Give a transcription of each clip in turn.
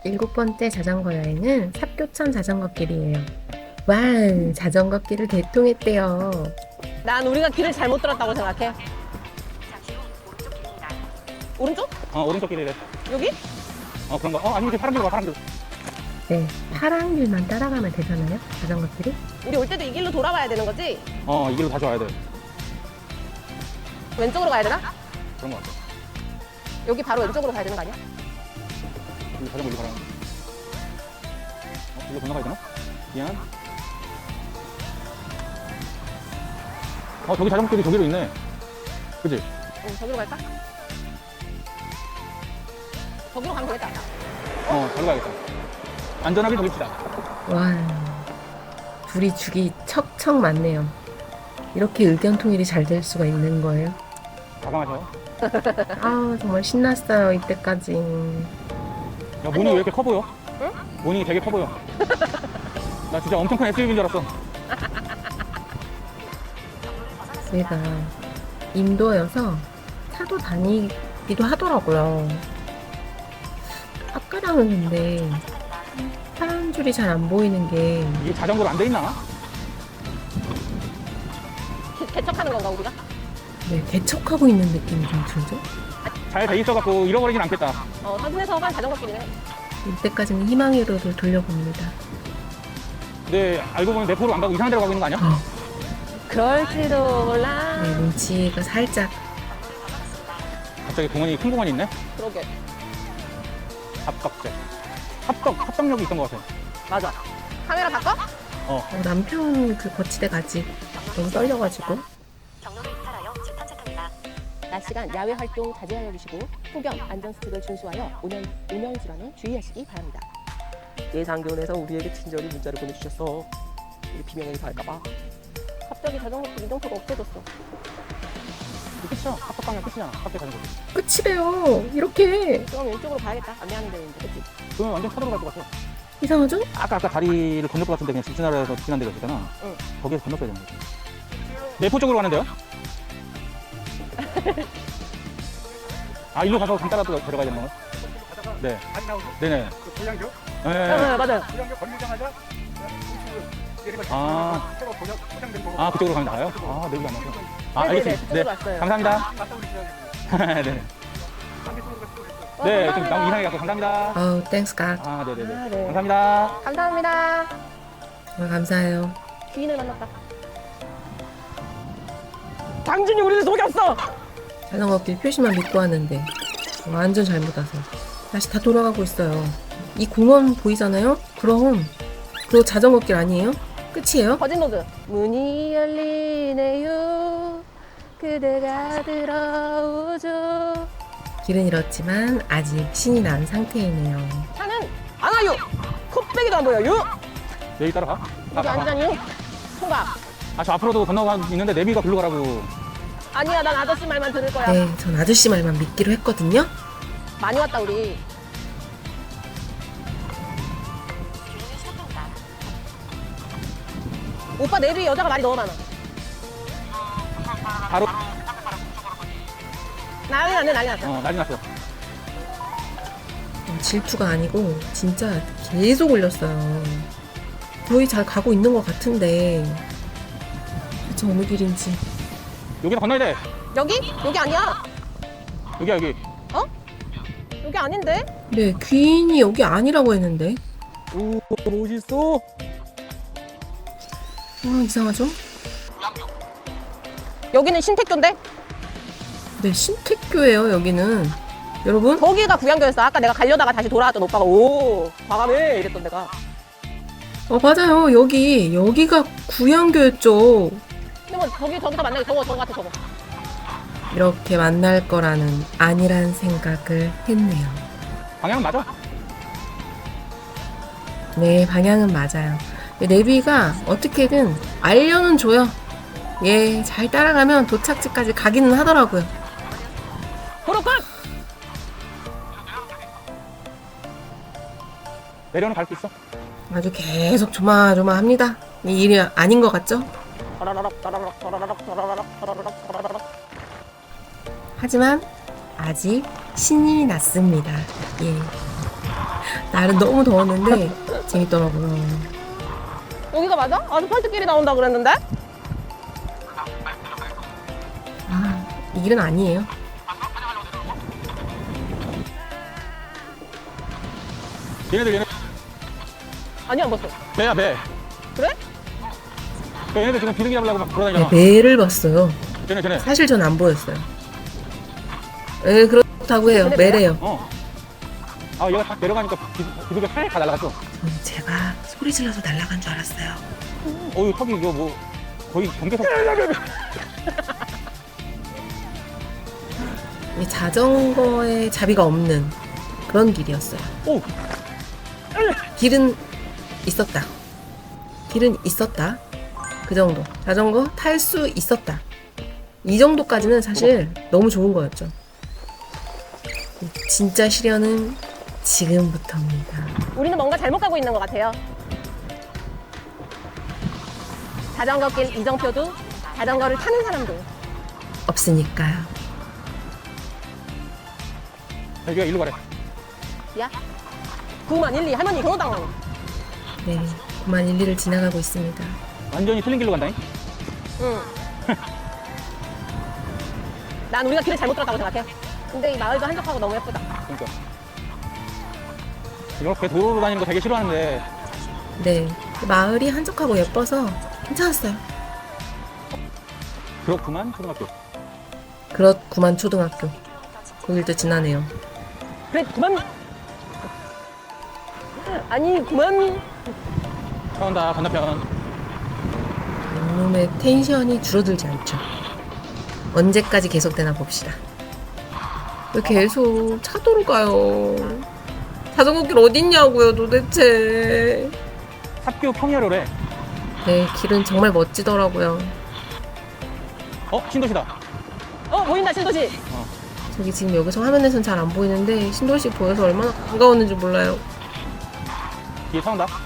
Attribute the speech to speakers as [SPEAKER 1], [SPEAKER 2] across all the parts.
[SPEAKER 1] 7번째 자전거 여행은 삽교천 자전거길이에요. 와, 자전거길을 개통했대요.
[SPEAKER 2] 난 우리가 길을 잘못 들었다고 생각해. 오른쪽?
[SPEAKER 3] 오른쪽 길이래.
[SPEAKER 2] 여기?
[SPEAKER 3] 그런 거. 아니, 이렇게 파란 길로 가, 파란 길.
[SPEAKER 1] 네, 파란 길만 따라가면 되잖아요, 자전거길이.
[SPEAKER 2] 우리 올 때도 이 길로 돌아와야 되는 거지?
[SPEAKER 3] 이 길로 다시 와야 돼.
[SPEAKER 2] 왼쪽으로 가야 되나?
[SPEAKER 3] 그런 거 같아.
[SPEAKER 2] 여기 바로 왼쪽으로 가야 되는 거 아니야?
[SPEAKER 3] 여기 자전거 일로 가라. 이거 건너가야 되나? 미안. 저기 자전거 길이 저기로 있네. 그치?
[SPEAKER 2] 저기로 갈까? 저기로 가면 되겠다.
[SPEAKER 3] 저기로 가야겠다. 안전하게 저깁시다.
[SPEAKER 1] 와, 둘이 죽이 척척 맞네요. 이렇게 의견 통일이 잘 될 수가 있는 거예요.
[SPEAKER 3] 과감하셔.
[SPEAKER 1] 아, 정말 신났어요, 이때까지.
[SPEAKER 3] 야, 모닝이 왜 이렇게 커 보여?
[SPEAKER 2] 응?
[SPEAKER 3] 모닝이 되게 커 보여. 나 진짜 엄청 큰 SUV인 줄 알았어.
[SPEAKER 1] 제가 인도여서 차도 다니기도 하더라고요. 아까랑은 근데 파란 줄이 잘 안 보이는 게
[SPEAKER 3] 이게 자전거로 안 돼 있나?
[SPEAKER 2] 개척하는 건가 우리가?
[SPEAKER 1] 네, 개척하고 있는 느낌이 좀 들죠?
[SPEAKER 3] 잘 돼 있어갖고 잃어버리진 않겠다.
[SPEAKER 2] 서분에서 간 자전거 길이네.
[SPEAKER 1] 이때까지는 희망으로를 돌려봅니다.
[SPEAKER 3] 근데 알고 보면 내포로 안 가고 이상한 데로 가고 있는 거 아니야?
[SPEAKER 2] 그럴지도 몰라.
[SPEAKER 1] 네, 눈치가 살짝.
[SPEAKER 3] 갑자기 공원이 큰 공원이 있네?
[SPEAKER 2] 그러게.
[SPEAKER 3] 합덕제. 합덕역이 있던 것 같아.
[SPEAKER 2] 맞아. 카메라 바꿔?
[SPEAKER 1] 남편 그 거치대 가지. 너무 떨려가지고.
[SPEAKER 2] 낮 시간 야외 활동 자제하여 주시고 폭염 안전수칙을 준수하여 운영 질환에 주의하시기 바랍니다. 예상 기온에서 우리에게 친절히 문자를 보내주셨어. 우리 비명이 갈까봐. 갑자기 자전거 길 이동표가 없어졌어.
[SPEAKER 3] 이게 끝이야. 합덕방향 끝이잖아. 합덕 자전거.
[SPEAKER 1] 끝이래요. 이렇게.
[SPEAKER 2] 그럼 왼쪽으로 가야겠다. 안내하는 데인데, 그치?
[SPEAKER 3] 그러면 완전 차도로 갈 것 같아.
[SPEAKER 1] 이상하죠?
[SPEAKER 3] 아까 다리를 건널 것 같은데 그냥 직진하라해서 지난 데가 있잖아.
[SPEAKER 2] 응.
[SPEAKER 3] 거기에서 건넜어야 되는 거지. 내포 쪽으로 가는데요? 일로 가서 강 따라 들어가야 되는 건가? 네. 네네.
[SPEAKER 4] 불량교?
[SPEAKER 3] 네.
[SPEAKER 2] 맞아요.
[SPEAKER 4] 불량교 건너자마자 포장된 거.
[SPEAKER 3] 그쪽으로 가면 나가요? 내비 안 나서.
[SPEAKER 2] 네네네,
[SPEAKER 3] 알겠습니다. 네.
[SPEAKER 2] 그쪽으로 왔어요.
[SPEAKER 3] 감사합니다. 네. 네, 좀 너무 이상하게 갖고 감사합니다.
[SPEAKER 1] 아우, 땡스 갓.
[SPEAKER 3] 네네네.
[SPEAKER 2] 네.
[SPEAKER 3] 감사합니다.
[SPEAKER 2] 감사합니다.
[SPEAKER 1] 정말 감사해요.
[SPEAKER 2] 귀인을 만났다. 당신이 우리를 속였어!
[SPEAKER 1] 자전거길 표시만 믿고 왔는데 완전 잘못 와서 다시 다 돌아가고 있어요. 이 공원 보이잖아요? 그럼 그거 자전거길 아니에요? 끝이에요?
[SPEAKER 2] 거짓로드. 문이 열리네요. 그대가 들어오죠.
[SPEAKER 1] 길은 잃었지만 아직 신이 난 상태이네요.
[SPEAKER 2] 차는 안 와요. 콧배기도 안 보여요.
[SPEAKER 3] 내비 따라가.
[SPEAKER 2] 여기 안전이요. 통과.
[SPEAKER 3] 저 앞으로도 건너가 있는데 내비가 글로 가라고.
[SPEAKER 2] 아니야, 난 아저씨 말만 들을 거야.
[SPEAKER 1] 네, 전 아저씨 말만 믿기로 했거든요.
[SPEAKER 2] 많이 왔다 우리. 오빠 내비 여자가 말이 너무 많아.
[SPEAKER 3] 바로
[SPEAKER 2] 난리 났네, 난리 났어.
[SPEAKER 3] 난리 났어.
[SPEAKER 1] 질투가 아니고 진짜 계속 올렸어요. 거의 잘 가고 있는 것 같은데 대체 어느 길인지.
[SPEAKER 3] 여기는 건너야 돼.
[SPEAKER 2] 여기? 여기 아니야.
[SPEAKER 3] 여기야 여기.
[SPEAKER 2] 여기 아닌데?
[SPEAKER 1] 네, 귀인이 여기 아니라고 했는데.
[SPEAKER 3] 오 멋있어.
[SPEAKER 1] 이상하죠?
[SPEAKER 2] 여기는 신택교인데?
[SPEAKER 1] 네, 신택교예요 여기는. 여러분,
[SPEAKER 2] 거기가 구양교였어. 아까 내가 가려다가 다시 돌아왔던 오빠가 오 과감해 이랬던 데가.
[SPEAKER 1] 맞아요. 여기가 구양교였죠.
[SPEAKER 2] 근데 뭐 저기서 만나게 저거 같아 저거.
[SPEAKER 1] 이렇게 만날 거라는 아니란 생각을 했네요.
[SPEAKER 3] 방향은 맞아.
[SPEAKER 1] 네, 방향은 맞아요. 내비가 어떻게든 알려는 줘요. 예, 잘 따라가면 도착지까지 가기는 하더라고요.
[SPEAKER 2] 도로 끝!
[SPEAKER 3] 내려는 갈 수 있어.
[SPEAKER 1] 아주 계속 조마조마합니다. 이 일이 아닌 것 같죠?
[SPEAKER 2] 더라라락 더라라락 더라라락 더라라락 더라라락 더라라락.
[SPEAKER 1] 하지만 아직 신이 났습니다. 예. 날은 너무 더웠는데 재밌더라고요.
[SPEAKER 2] 여기가 맞아? 아스팔트길이 나온다 그랬는데?
[SPEAKER 1] 아, 이 길은 아니에요.
[SPEAKER 3] 얘네들
[SPEAKER 2] 아니 안 봤어.
[SPEAKER 3] 배야 배.
[SPEAKER 2] 그래?
[SPEAKER 3] 얘네들 지금 비둘기 잡으려고 막
[SPEAKER 1] 네,
[SPEAKER 3] 돌아다니잖아.
[SPEAKER 1] 매를 봤어요.
[SPEAKER 3] 쟤네.
[SPEAKER 1] 사실 전 안 보였어요. 예, 그렇다고 해요. 매래요.
[SPEAKER 3] 어. 아 얘가 딱 내려가니까 비둘기가 살짝 다 날아갔어.
[SPEAKER 1] 저는 제가 소리 질러서 날아간 줄 알았어요.
[SPEAKER 3] 어유 턱이 이거 뭐 거의 경계석.
[SPEAKER 1] 이 자전거에 자비가 없는 그런 길이었어요.
[SPEAKER 3] 오.
[SPEAKER 1] 길은 있었다. 길은 있었다. 그 정도. 자전거 탈 수 있었다. 이 정도까지는 사실 너무 좋은 거였죠. 진짜 시련은 지금부터입니다.
[SPEAKER 2] 우리는 뭔가 잘못 가고 있는 것 같아요. 자전거길 이정표도 자전거를 타는 사람도
[SPEAKER 1] 없으니까요.
[SPEAKER 3] 여기가 일로 가래.
[SPEAKER 2] 야 9만 1, 2 할머니 경호당.
[SPEAKER 1] 네, 9만 1, 2를 지나가고 있습니다.
[SPEAKER 3] 완전히 틀린 길로 간다잉.
[SPEAKER 2] 응. 난 우리가 길을 잘못 들었다고 생각해. 근데 이 마을도 한적하고 너무 예쁘다.
[SPEAKER 3] 그러니까. 이렇게 도로로 다니는 거 되게 싫어하는데
[SPEAKER 1] 네, 마을이 한적하고 예뻐서 괜찮았어요.
[SPEAKER 3] 그렇구만 초등학교.
[SPEAKER 1] 그렇구만 초등학교. 거길도 지나네요.
[SPEAKER 2] 그래 그만. 아니 그만.
[SPEAKER 3] 차온다 건너편.
[SPEAKER 1] 이놈의 텐션이 줄어들지 않죠. 언제까지 계속되나 봅시다. 왜 계속 차도로 가요? 자전거길 어딨냐고요 도대체.
[SPEAKER 3] 학교 평야로래.
[SPEAKER 1] 네, 길은 정말 멋지더라고요.
[SPEAKER 3] 신도시다.
[SPEAKER 2] 보인다 신도시.
[SPEAKER 1] 저기 지금 여기서 화면에선 잘 안 보이는데 신도시 보여서 얼마나 반가웠는지 몰라요.
[SPEAKER 3] 뒤에 차 온다.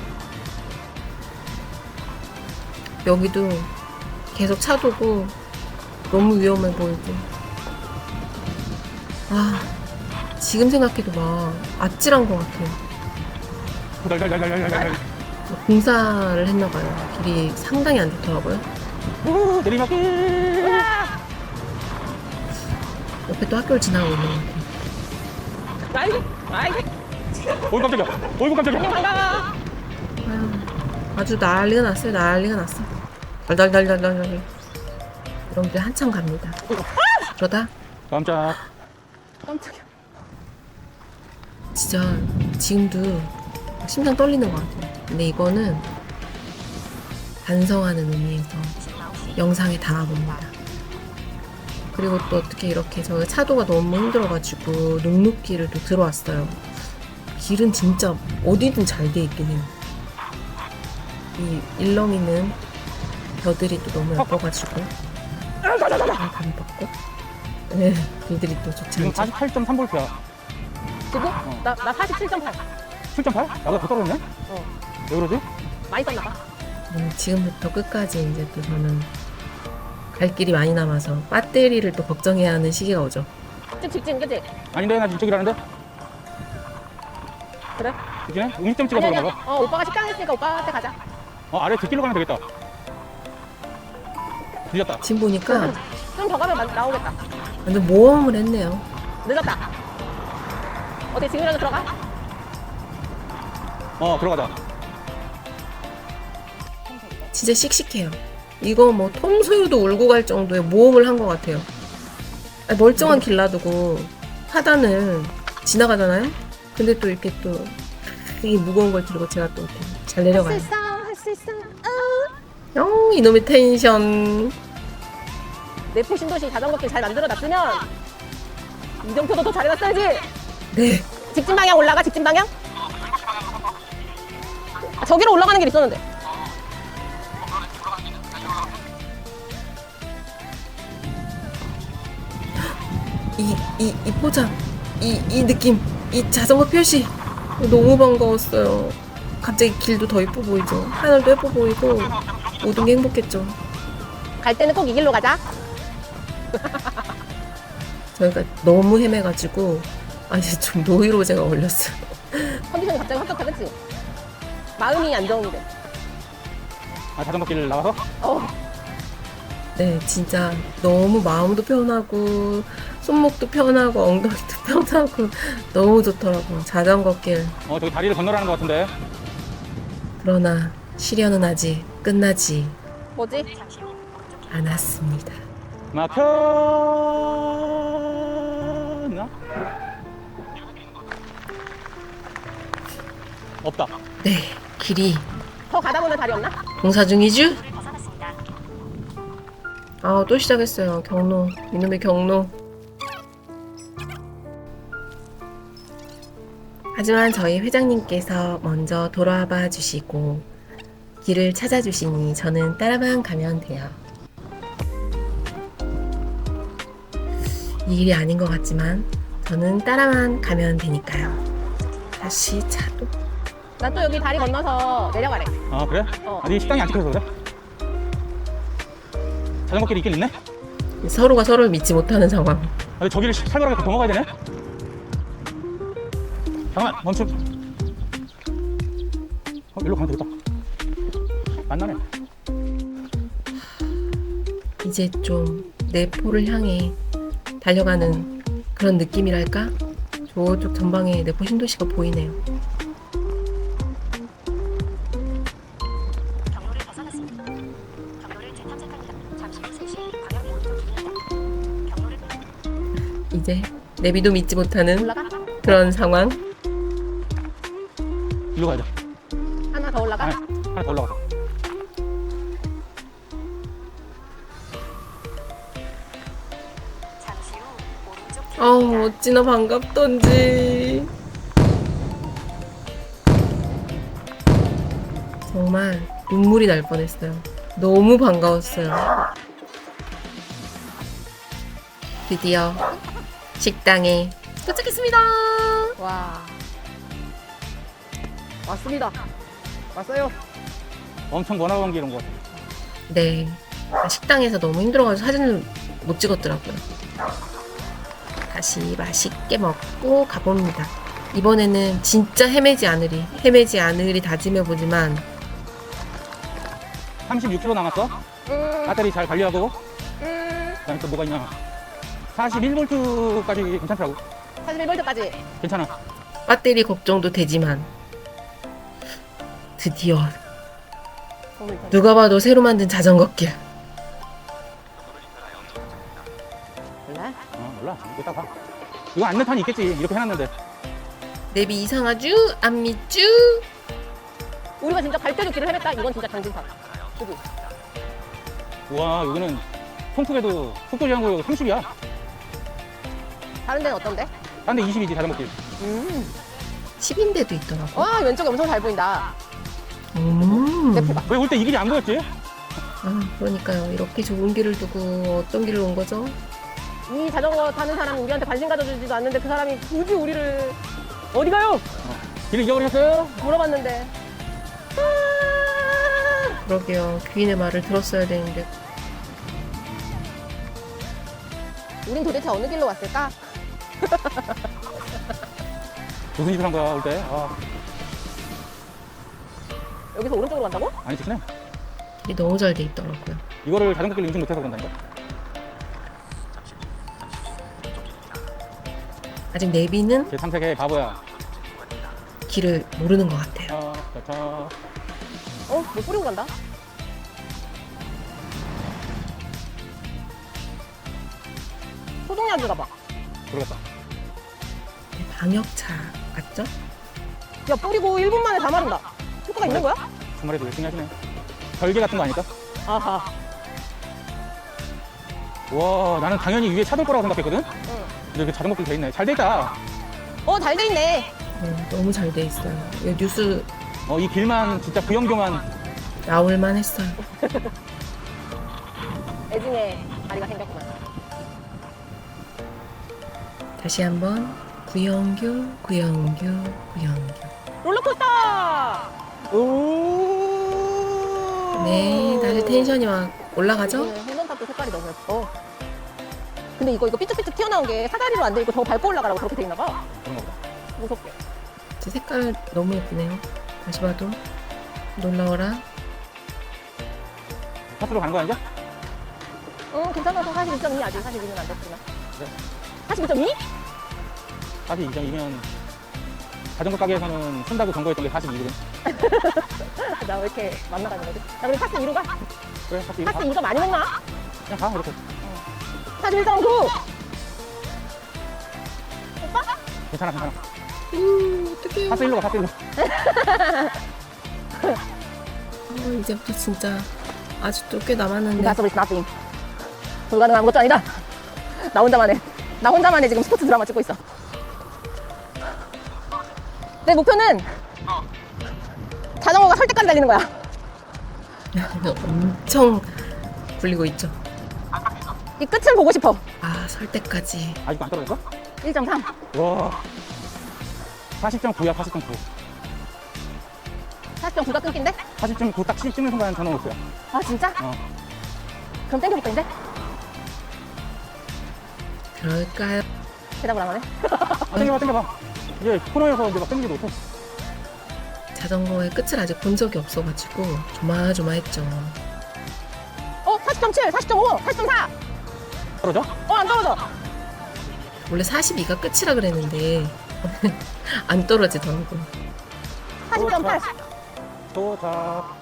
[SPEAKER 1] 여기도 계속 차도고 너무 위험해 보이고. 아, 지금 생각해도 막 아찔한 것 같아요.
[SPEAKER 3] 달달달달달달달.
[SPEAKER 1] 공사를 했나봐요. 길이 상당히 안 좋더라고요.
[SPEAKER 3] 내리막길.
[SPEAKER 1] 옆에 또 학교를 지나가고 있는 것 같아요.
[SPEAKER 2] 아이고
[SPEAKER 3] 어이 깜짝이야. 어이구 깜짝이야.
[SPEAKER 2] 반가워.
[SPEAKER 1] 아유, 아주 난리가 났어요. 난리가 났어. 달달달달달달. 이런 길 한참 갑니다. 그러다
[SPEAKER 3] 깜짝.
[SPEAKER 2] 깜짝이야.
[SPEAKER 1] 진짜 지금도 심장 떨리는 것 같아요. 근데 이거는 반성하는 의미에서 영상에 담아봅니다. 그리고 또 어떻게 이렇게 저 차도가 너무 힘들어가지고 녹록길을 또 들어왔어요. 길은 진짜 어디든 잘 돼 있긴 해요. 이 일렁이는 벼들이 또 너무 예뻐가지고 감이 받고 네, 길들이 또 좋지
[SPEAKER 3] 지금
[SPEAKER 1] 않죠.
[SPEAKER 3] 48.3V야.
[SPEAKER 2] 지금? 나 47.8.
[SPEAKER 3] 7.8? 나보다 더 떨어졌네? 왜 그러지?
[SPEAKER 2] 많이 썼나 봐.
[SPEAKER 1] 지금부터 끝까지 이제 또 저는 갈 길이 많이 남아서 배터리를 또 걱정해야 하는 시기가 오죠.
[SPEAKER 2] 직진 그치?
[SPEAKER 3] 아닌데 나 이쪽이라는데?
[SPEAKER 2] 그래?
[SPEAKER 3] 그치네? 음식점 찍어서
[SPEAKER 2] 아니
[SPEAKER 3] 그런가 봐.
[SPEAKER 2] 오빠가 식당 했으니까 오빠한테 가자.
[SPEAKER 3] 아래 뒷길로 가면 되겠다. 늦었다.
[SPEAKER 1] 지금 보니까
[SPEAKER 2] 좀 더 가면 나오겠다.
[SPEAKER 1] 완전 모험을 했네요.
[SPEAKER 2] 늦었다. 어때 지금이라도 들어가?
[SPEAKER 3] 들어가자.
[SPEAKER 1] 진짜 씩씩해요. 이거 뭐 톰소유도 울고 갈 정도의 모험을 한 것 같아요. 아니, 멀쩡한 길 놔두고 하단을 지나가잖아요? 근데 또 이렇게 또 되게 무거운 걸 들고 제가 또 이렇게 잘 내려가요.
[SPEAKER 2] 할 수 있어.
[SPEAKER 1] 이놈의 텐션.
[SPEAKER 2] 내포 신도시 자전거길 잘 만들어놨으면 이정표도 더 잘해놨어야지.
[SPEAKER 1] 네.
[SPEAKER 2] 직진 방향 올라가 직진 방향? 저기로 올라가는 길 있었는데.
[SPEAKER 1] 이 포장, 이 느낌, 이 자전거 표시 너무 반가웠어요. 갑자기 길도 더 예뻐 보이죠. 하늘도 예뻐 보이고 모든 게 행복했죠.
[SPEAKER 2] 갈 때는 꼭 이 길로 가자.
[SPEAKER 1] 저희가 너무 헤매가지고 이제 좀 노이로제가 걸렸어요.
[SPEAKER 2] 컨디션이 갑자기 합격하, 그치? 마음이 안정이 돼.
[SPEAKER 3] 아, 자전거 길 나와서?
[SPEAKER 1] 네, 진짜 너무 마음도 편하고 손목도 편하고 엉덩이도 편하고 너무 좋더라고요. 자전거길.
[SPEAKER 3] 저기 다리를 건너라는 것 같은데.
[SPEAKER 1] 그러나 시련은 아직 끝나지
[SPEAKER 2] 뭐지?
[SPEAKER 1] 않았습니다.
[SPEAKER 3] 막혔나? 없다.
[SPEAKER 1] 네, 길이
[SPEAKER 2] 더 가다 보면 다리 없나?
[SPEAKER 1] 공사 중이죠? 아, 또 시작했어요. 경로. 이놈의 경로. 하지만 저희 회장님께서 먼저 돌아와 주시고 길을 찾아주시니 저는 따라만 가면 돼요. 이 길이 아닌 것 같지만 저는 따라만 가면 되니까요. 다시 차도.
[SPEAKER 2] 나 또 여기 다리 건너서 내려가래.
[SPEAKER 3] 아, 그래? 아니, 식당이 안 찍혀서 그래? 자전거 길이 있긴 있네?
[SPEAKER 1] 서로가 서로를 믿지 못하는 상황.
[SPEAKER 3] 근데 저기를 살벌하게 넘어가야 되네? 잠깐만, 멈춤. 일로 가면 되겠다. 만나네.
[SPEAKER 1] 이제 좀 내포를 향해 달려가는 그런 느낌이랄까? 저쪽 전방에 내포 신도시가 보이네요.
[SPEAKER 5] 경로를 벗어났습니다. 경로를 재탐색합니다. 잠시 후 3시 방향 오른쪽입니다. 경로를
[SPEAKER 1] 이제 내비도 믿지 못하는
[SPEAKER 2] 올라가?
[SPEAKER 1] 그런 상황.
[SPEAKER 3] 일로 가야죠.
[SPEAKER 2] 하나 더 올라가?
[SPEAKER 3] 아니, 하나 더 올라가서.
[SPEAKER 5] 잠시 후 오른쪽
[SPEAKER 1] 어우, 어찌나 반갑던지. 정말 눈물이 날 뻔했어요. 너무 반가웠어요. 드디어 식당에 도착했습니다.
[SPEAKER 2] 와. 왔습니다. 왔어요.
[SPEAKER 3] 엄청 번화한 길 온 것 같아.
[SPEAKER 1] 네, 식당에서 너무 힘들어가지고 사진을 못 찍었더라고요. 다시 맛있게 먹고 가봅니다. 이번에는 진짜 헤매지 않으리 다짐해보지만
[SPEAKER 3] 36km 남았어. 배터리 잘 관리하고. 그다음에 또 뭐가 있냐. 41V까지 괜찮더라고.
[SPEAKER 2] 41볼트까지.
[SPEAKER 3] 괜찮아.
[SPEAKER 1] 배터리 걱정도 되지만 드디어 누가 봐도 새로 만든 자전거길.
[SPEAKER 2] 몰라?
[SPEAKER 3] 몰라. 이따 봐. 이거 안내 탄이 있겠지. 이렇게 해놨는데.
[SPEAKER 1] 내비 이상하쥬? 안 믿쥬?
[SPEAKER 2] 우리가 진짜 발대로 길을 헤맸다? 이건 진짜 강진사. 그지?
[SPEAKER 3] 우와, 여기는 통풍에도 속도 제한구역 30이야.
[SPEAKER 2] 다른 데는 어떤데?
[SPEAKER 3] 딴 데 20이지, 자전거 길.
[SPEAKER 1] 10인데도 있더라고.
[SPEAKER 2] 와, 왼쪽에 엄청 잘 보인다.
[SPEAKER 1] 음.
[SPEAKER 2] 내 봐.
[SPEAKER 3] 왜 올 때 이 길이 안 보였지?
[SPEAKER 1] 아, 그러니까요. 이렇게 좋은 길을 두고 어떤 길을 온 거죠?
[SPEAKER 2] 이 자전거 타는 사람이 우리한테 관심 가져주지도 않는데 그 사람이 굳이 우리를 어디 가요?
[SPEAKER 3] 길을 잃어버렸어요?
[SPEAKER 2] 물어봤는데.
[SPEAKER 1] 그러게요. 귀인의 말을 들었어야 되는데.
[SPEAKER 2] 우린 도대체 어느 길로 왔을까?
[SPEAKER 3] 무슨 짓을 한 거야, 올 때? 아,
[SPEAKER 2] 여기서 오른쪽으로 간다고?
[SPEAKER 3] 아니, 좋긴 해.
[SPEAKER 1] 길이 너무 잘 돼 있더라고요.
[SPEAKER 3] 이거를 자전거 길로 인증 못해서 그런다니까?
[SPEAKER 1] 아직 내비는
[SPEAKER 3] 제 탐색의 바보야.
[SPEAKER 1] 길을 모르는 것 같아요.
[SPEAKER 3] 자.
[SPEAKER 2] 뭐 뿌리고 간다? 소독약인가 봐.
[SPEAKER 3] 모르겠다.
[SPEAKER 1] 방역차 같죠?
[SPEAKER 2] 야, 뿌리고 1분 만에 다 마른다. 효과가 있는 거야?
[SPEAKER 3] 주말에도 열심히 하시네. 별개 같은 거 아닐까?
[SPEAKER 2] 아하.
[SPEAKER 3] 와, 나는 당연히 위에 차 돌 거라고 생각했거든?
[SPEAKER 2] 응.
[SPEAKER 3] 근데 이렇게 자전거 길 돼 있네. 잘 돼 있다.
[SPEAKER 2] 잘 돼 있네.
[SPEAKER 1] 너무 잘 돼 있어요. 이거 뉴스
[SPEAKER 3] 이 길만 진짜 부영경한.
[SPEAKER 1] 나올만 했어요.
[SPEAKER 2] 애증에 다리가 생겼구만.
[SPEAKER 1] 다시 한번 구영규.
[SPEAKER 2] 롤러코스터! 오!
[SPEAKER 1] 네, 다시 텐션이 막 올라가죠?
[SPEAKER 2] 핸던탑도 색깔이 너무 예뻐. 근데 이거 삐쭉삐쭉 튀어나온 게 사다리로 안 돼 있고 더 밟고 올라가라고 그렇게 돼 있나 봐.
[SPEAKER 3] 그런 거 보다.
[SPEAKER 2] 무섭게.
[SPEAKER 1] 제 색깔 너무 예쁘네요. 다시 봐도 놀라워라.
[SPEAKER 3] 파스로 가는 거야 이제?
[SPEAKER 2] 괜찮아서 42.2 아직 42는 안 됐구나.
[SPEAKER 3] 네.
[SPEAKER 2] 42.2?
[SPEAKER 3] 42.2면 자전거 가게에서는 쓴다고 경고했던 게 42거든.
[SPEAKER 2] 나 왜 이렇게 만나가는 거지? 나 그럼 파스 2로 가?
[SPEAKER 3] 그래, 42.
[SPEAKER 2] 파스 2가 많이 먹나?
[SPEAKER 3] 그냥 가, 이렇게.
[SPEAKER 2] 41.9!
[SPEAKER 3] 괜찮아, 괜찮아.
[SPEAKER 1] 어떡해요.
[SPEAKER 3] 파스 1로 가, 파스 1로.
[SPEAKER 1] 이제부터 진짜 아직도 꽤 남았는데.
[SPEAKER 2] Impossible is nothing. 불가능한 것도 아니다. 나 혼자만의 지금 스포츠 드라마 찍고 있어. 내 목표는 자전거가 설 때까지 달리는 거야.
[SPEAKER 1] 엄청 굴리고 있죠.
[SPEAKER 2] 이 끝을 보고 싶어.
[SPEAKER 1] 아, 설 때까지.
[SPEAKER 3] 아직도 안 떨어졌어?
[SPEAKER 2] 1.3.
[SPEAKER 3] 와. 40.9야, 40.9.
[SPEAKER 2] 40.9가 끊긴데?
[SPEAKER 3] 40.9 딱 찍는 순간 전원 올 거야.
[SPEAKER 2] 아 진짜?
[SPEAKER 3] 어.
[SPEAKER 2] 그럼 땡겨볼까 이제?
[SPEAKER 1] 그럴까요?
[SPEAKER 2] 대답을 안 하네.
[SPEAKER 3] 아, 땡겨봐, 땡겨봐. 이제 코너에서 이제 막 땡기지도 못해.
[SPEAKER 1] 자전거의 끝을 아직 본 적이 없어가지고 조마조마했죠.
[SPEAKER 2] 40.7, 40.5, 40.4.
[SPEAKER 3] 떨어져?
[SPEAKER 2] 안 떨어져.
[SPEAKER 1] 원래 42가 끝이라 그랬는데 안 떨어지더라고.
[SPEAKER 2] 40.8.
[SPEAKER 3] 도착.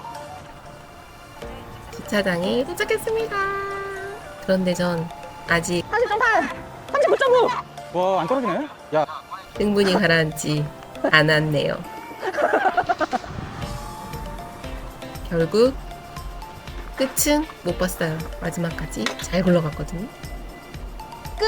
[SPEAKER 1] 주차장에 도착했습니다. 그런데 전 아직
[SPEAKER 2] 40.8. 39.9.
[SPEAKER 3] 와, 안 떨어지네? 야,
[SPEAKER 1] 흥분이 가라앉지 않았네요. 결국 끝은 못 봤어요. 마지막까지 잘 굴러갔거든요.
[SPEAKER 2] 끝.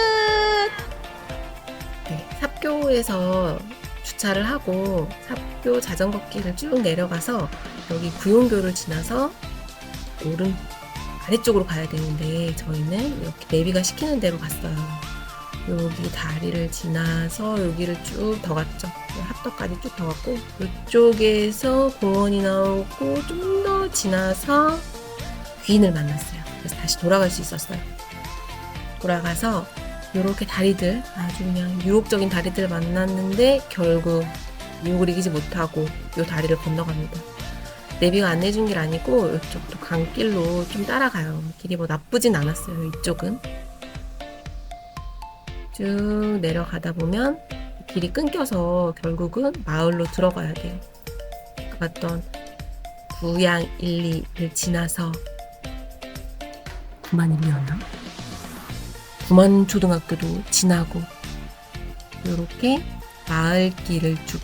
[SPEAKER 1] 네, 삽교에서 주차를 하고 삽교 자전거 길을 쭉 내려가서 여기 구용교를 지나서 오른 아래쪽으로 가야 되는데 저희는 이렇게 내비가 시키는 대로 갔어요. 여기 다리를 지나서 여기를 쭉 더 갔죠. 합덕까지 쭉 더 갔고 이쪽에서 공원이 나오고 좀 더 지나서 귀인을 만났어요. 그래서 다시 돌아갈 수 있었어요. 돌아가서 이렇게 다리들 아주 그냥 유혹적인 다리들 만났는데 결국 유혹을 이기지 못하고 이 다리를 건너갑니다. 내비가 안내준 길 아니고 이쪽도 강길로 좀 따라가요. 길이 뭐 나쁘진 않았어요. 이쪽은 쭉 내려가다 보면 길이 끊겨서 결국은 마을로 들어가야 돼요. 아까 봤던 구양 1, 2를 지나서 9만 1이었나? 9만 초등학교도 지나고 이렇게 마을길을 쭉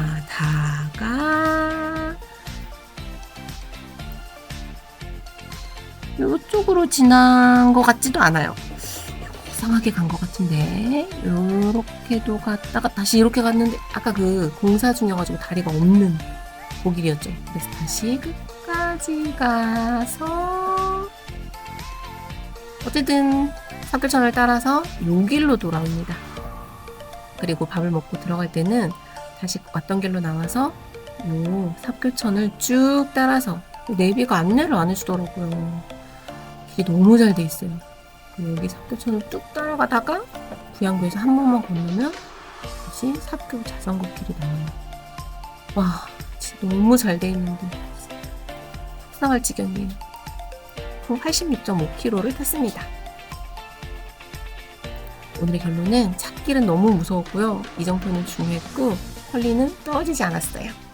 [SPEAKER 1] 지나다가 이쪽으로 지난 것 같지도 않아요. 이상하게 간 것 같은데 이렇게도 갔다가 다시 이렇게 갔는데 아까 그 공사 중이어가지고 다리가 없는 고길이었죠. 그래서 다시 끝까지 가서 어쨌든 삽교천을 따라서 요 길로 돌아옵니다. 그리고 밥을 먹고 들어갈 때는 다시 왔던 길로 나와서 요 삽교천을 쭉 따라서 내비가 안내를 안 해주더라고요. 길이 너무 잘 돼 있어요. 여기 삽교천을 쭉 따라가다가 구양교에서 한 번만 건너면 다시 삽교 자전거 길이 나와요. 와, 진짜 너무 잘 돼 있는데 속상할 지경이에요. 총 86.5km를 탔습니다. 오늘의 결론은 찾길은 너무 무서웠고요. 이정표는 중요했고 헐리는 떨어지지 않았어요.